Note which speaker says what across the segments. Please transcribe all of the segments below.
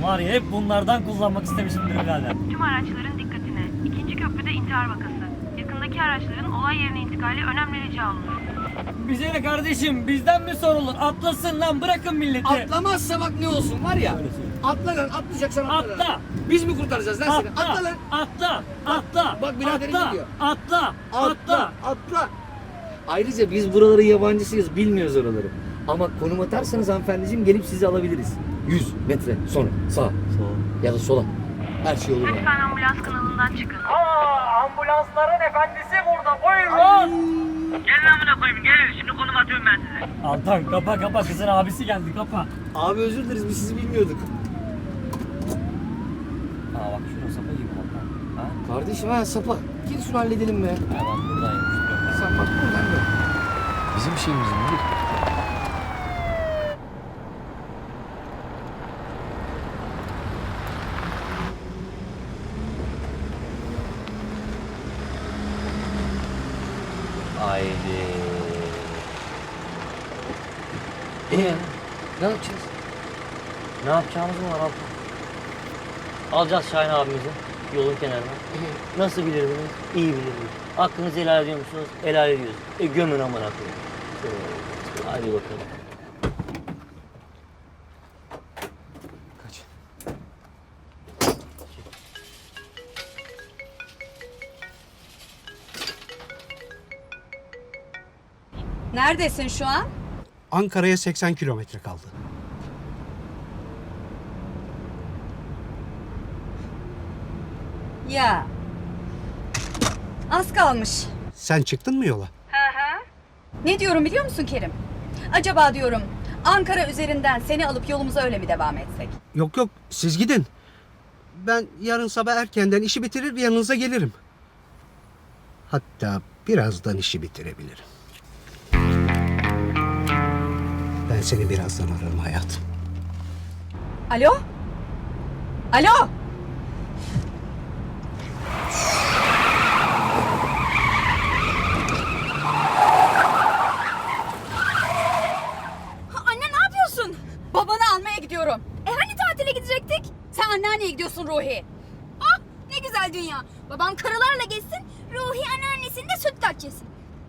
Speaker 1: Var ya hep bunlardan kullanmak istemişimdir birader.
Speaker 2: Tüm araçların dikkatine. İkinci köprüde intihar vakası. Yakındaki araçların olay yerine intikali önemli rica olunur.
Speaker 1: Bize ne kardeşim, bizden mi sorulur? Atlasın lan, bırakın milleti.
Speaker 3: Atlamazsa bak ne olsun var ya. Atla lan, atlayacaksan atla.
Speaker 1: Atla.
Speaker 3: Biz mi kurtaracağız lan seni?
Speaker 1: Atla,
Speaker 3: Atla lan.
Speaker 1: atla, atla.
Speaker 3: Bak biraderin
Speaker 1: atla,
Speaker 3: gidiyor.
Speaker 1: atla,
Speaker 3: Atla, atla. Ayrıca biz buraların yabancısıyız, bilmiyoruz oraları. Ama konum atarsanız hanımefendiciğim gelip sizi alabiliriz. 100 metre sonra sağa ya da sola. Her şey olur.
Speaker 2: Lütfen ambulans kanalından çıkın.
Speaker 1: Ambulansların efendisi burada, buyurun.
Speaker 2: Gelin amına koyayım, gelin. Şimdi konum atıyorum ben size.
Speaker 1: Altan kapa, kızın abisi geldi, kapa.
Speaker 3: Abi özür dileriz, biz sizi bilmiyorduk.
Speaker 1: Aa bak şuna sapa gibi Altan. Ha?
Speaker 3: Kardeşim ha sapa. Gel şunu halledelim be.
Speaker 1: Ya ben buradayım.
Speaker 3: Sen bak buradan gel. Bizim şeyimiz mi?
Speaker 4: Haydi.
Speaker 3: Ne yapacağız?
Speaker 4: Ne yapacağımız mı var abla? Alacağız Şahin abimizi yolun kenarına. Nasıl bilirdiniz? İyi bilirdiniz. Hakkınızı helal ediyor musunuz? Helal ediyoruz. Gömün amına koyayım. Hadi bakalım.
Speaker 3: Kaç.
Speaker 5: Neredesin şu an?
Speaker 6: Ankara'ya 80 kilometre kaldı.
Speaker 5: Ya. Az kalmış.
Speaker 6: Sen çıktın mı yola?
Speaker 5: Ne diyorum biliyor musun Kerim? Acaba diyorum Ankara üzerinden seni alıp yolumuza öyle mi devam etsek?
Speaker 6: Yok yok, siz gidin. Ben yarın sabah erkenden işi bitirir yanınıza gelirim. Hatta birazdan işi bitirebilirim. Ben seni birazdan ararım hayatım.
Speaker 5: Alo? Alo? Anne ne yapıyorsun? Babanı almaya gidiyorum. Hani tatile gidecektik? Sen anneanneye gidiyorsun Ruhi.
Speaker 7: Ah ne güzel dünya. Babam karılarla gezsin, Ruhi anneannesini de sütlaç yesin.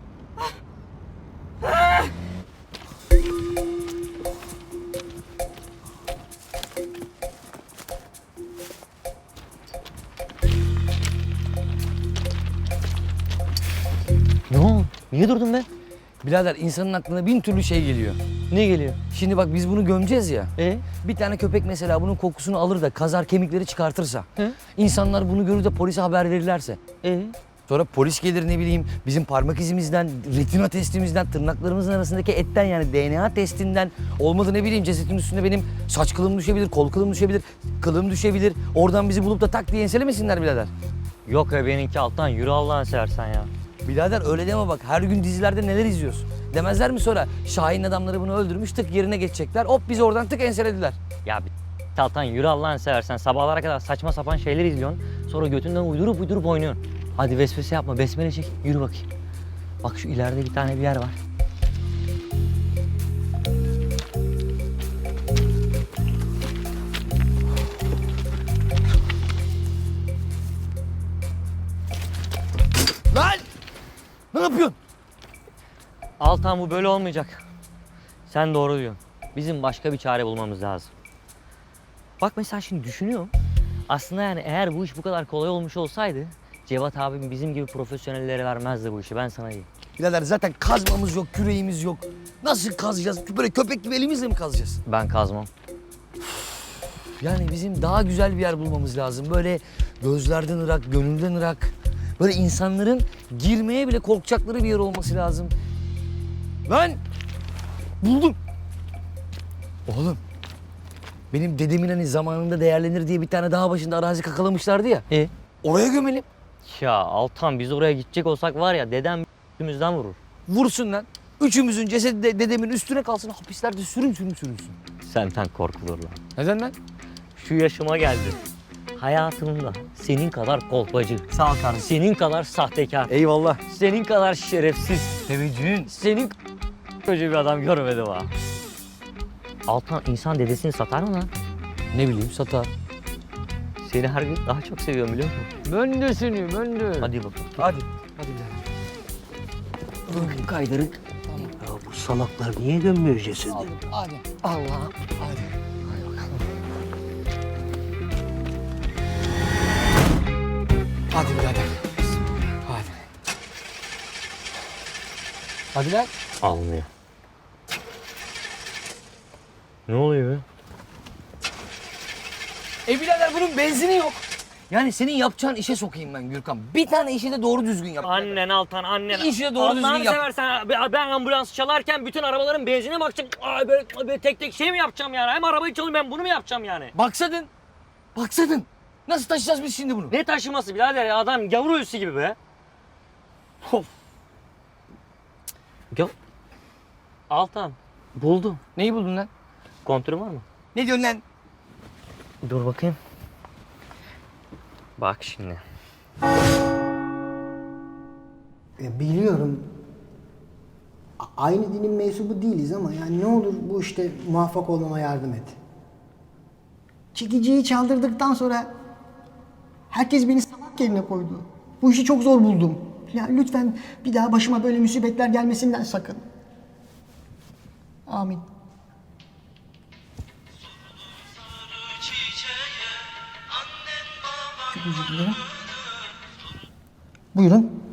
Speaker 4: Ne oldu? Niye durdun be?
Speaker 8: Birader insanın aklına bin türlü şey geliyor.
Speaker 4: Ne geliyor?
Speaker 8: Şimdi bak biz bunu gömeceğiz ya.
Speaker 4: E?
Speaker 8: Bir tane köpek mesela bunun kokusunu alır da kazar kemikleri çıkartırsa.
Speaker 4: He?
Speaker 8: İnsanlar bunu görür de polise haber verirlerse. Sonra polis gelir ne bileyim bizim parmak izimizden, retina testimizden, tırnaklarımızın arasındaki etten yani DNA testinden olmadı ne bileyim cesetin üstünde benim saç kılım düşebilir, kol kılım düşebilir, kılım düşebilir. Oradan bizi bulup da tak diye enselemesinler birader.
Speaker 4: Yok ya benimki alttan yürü Allah'ını seversen ya.
Speaker 8: Birader öyle deme bak her gün dizilerde neler izliyorsun. Demezler mi sonra Şahin adamları bunu öldürmüş tık yerine geçecekler hop biz oradan tık enselediler.
Speaker 4: Ya bir Altan yürü Allah'ını seversen sabahlara kadar saçma sapan şeyler izliyorsun. Sonra götünden uydurup oynuyorsun. Hadi vesvese yapma besmele çek yürü bakayım. Bak şu ileride bir tane bir yer var.
Speaker 8: Lan! Ne yapıyorsun?
Speaker 4: Altan bu böyle olmayacak. Sen doğru diyorsun. Bizim başka bir çare bulmamız lazım. Bak mesela şimdi düşünüyorum. Aslında yani eğer bu iş bu kadar kolay olmuş olsaydı Cevat abim bizim gibi profesyonellere vermezdi bu işi ben sana diyeyim.
Speaker 8: Birader zaten kazmamız yok, küreğimiz yok. Nasıl kazacağız? Böyle köpek gibi elimizle mi kazacağız?
Speaker 4: Ben kazmam.
Speaker 8: Yani bizim daha güzel bir yer bulmamız lazım. Böyle gözlerden ırak, gönülden ırak. Böyle insanların girmeye bile korkacakları bir yer olması lazım. Lan! Buldum. Oğlum. Benim dedemin hani zamanında değerlenir diye bir tane dağ başında arazi kakalamışlardı ya. Oraya gömelim.
Speaker 4: Ya Altan biz oraya gidecek olsak var ya dedem üstümüzden vurur.
Speaker 8: Vursun lan. Üçümüzün cesedi de dedemin üstüne kalsın. Hapislerde sürünsün.
Speaker 4: Senden korkulur lan.
Speaker 8: Neden lan?
Speaker 4: Şu yaşıma geldim. Hayatımda senin kadar kolpacı,
Speaker 1: Sağ ol kardeşim.
Speaker 4: senin kadar sahtekar,
Speaker 8: Eyvallah.
Speaker 4: senin kadar şerefsiz,
Speaker 8: Teveccühün.
Speaker 4: senin koca bir adam görmedim ha. Altan insan dedesini satar mı lan?
Speaker 8: Ne bileyim satar.
Speaker 4: Seni her gün daha çok seviyorum biliyor musun?
Speaker 8: Ben de seni, ben de.
Speaker 4: Hadi bakalım.
Speaker 8: Hadi. Hadi birader.
Speaker 6: Kaydırın. Ya bu salaklar niye gömmüyor cesedi?
Speaker 8: Hadi. Allah'ım. Hadi. Hadi bakalım. Hadi birader. Hadi. Hadi lan.
Speaker 4: Almıyor. Ne oluyor be?
Speaker 8: Birader bunun benzini yok. Yani senin yapacağın işe sokayım ben Gürkan. Bir tane işi de doğru düzgün yap.
Speaker 4: Annen Altan, annen.
Speaker 8: İşi de doğru düzgün
Speaker 4: Allah'ını
Speaker 8: yap.
Speaker 4: seversen ben ambulans çalarken bütün arabaların benzine bakacağım. Ay böyle tek tek şey mi yapacağım yani? Hem arabayı çalayım ben bunu mu yapacağım yani?
Speaker 8: Baksadın. Baksadın. Nasıl taşıyacağız biz şimdi bunu?
Speaker 4: Ne taşıması birader ya adam gavur ölüsü gibi be. Of. Ya Altan buldum.
Speaker 8: Neyi buldun lan?
Speaker 4: Kontürün var mı?
Speaker 8: Ne diyorsun lan?
Speaker 4: Dur bakayım. Bak şimdi.
Speaker 9: Biliyorum. Aynı dinin mensubu değiliz ama yani ne olur bu işte muvaffak olmama yardım et. Çekiciyi çaldırdıktan sonra herkes beni salak yerine koydu. Bu işi çok zor buldum. Ya lütfen bir daha başıma böyle musibetler gelmesinden sakın. Amin. Çok özür dilerim. Buyurun.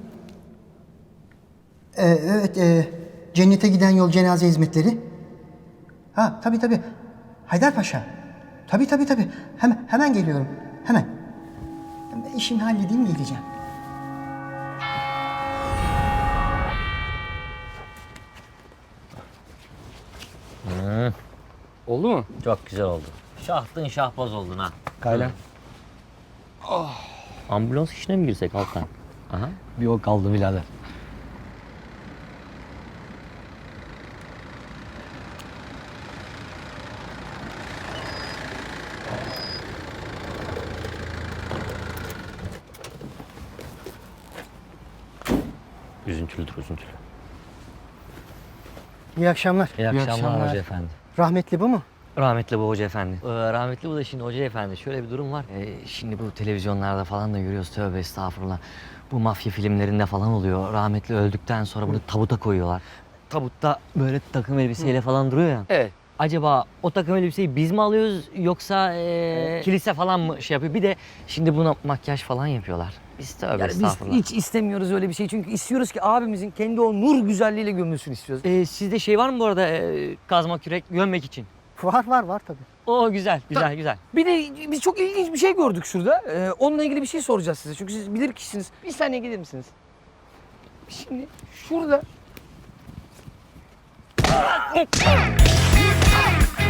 Speaker 9: Evet, cennete giden yol cenaze hizmetleri. Ha, tabii. Haydarpaşa. Tabii. Hemen geliyorum. Hemen. Ben işimi halledeyim geleceğim.
Speaker 8: Oldu mu?
Speaker 4: Çok güzel oldu. Şahtın şahbaz oldun ha.
Speaker 8: Kaylan.
Speaker 4: Ambulans işine mi girsek Altan? Aha.
Speaker 8: Bir o kaldı birader.
Speaker 4: Üzüntülüdür üzüntülü.
Speaker 9: İyi akşamlar.
Speaker 4: İyi akşamlar,
Speaker 8: akşamlar.
Speaker 4: Hoca Efendi.
Speaker 9: Rahmetli bu mu?
Speaker 4: Rahmetli bu Hoca Efendi. Rahmetli bu da şimdi Hoca Efendi. Şöyle bir durum var. Şimdi bu televizyonlarda falan da görüyoruz. Tövbe estağfurullah. Bu mafya filmlerinde falan oluyor. Rahmetli öldükten sonra bunu tabuta koyuyorlar. Tabutta böyle takım elbiseyle falan duruyor ya.
Speaker 8: Evet.
Speaker 4: Acaba o takım elbiseyi biz mi alıyoruz yoksa kilise falan mı şey yapıyor? Bir de şimdi buna makyaj falan yapıyorlar. Biz tövbe
Speaker 8: Yani biz
Speaker 4: estağfurullah.
Speaker 8: hiç istemiyoruz öyle bir şey. Çünkü istiyoruz ki abimizin kendi o nur güzelliğiyle gömülsün istiyoruz.
Speaker 4: Sizde şey var mı bu arada kazma kürek gömmek için?
Speaker 9: Var tabii.
Speaker 4: O güzel güzel.
Speaker 8: Bir de biz çok ilginç bir şey gördük şurada. Onunla ilgili bir şey soracağız size. Çünkü siz bilir kişisiniz. Bir saniye gelir misiniz? Şimdi şurada...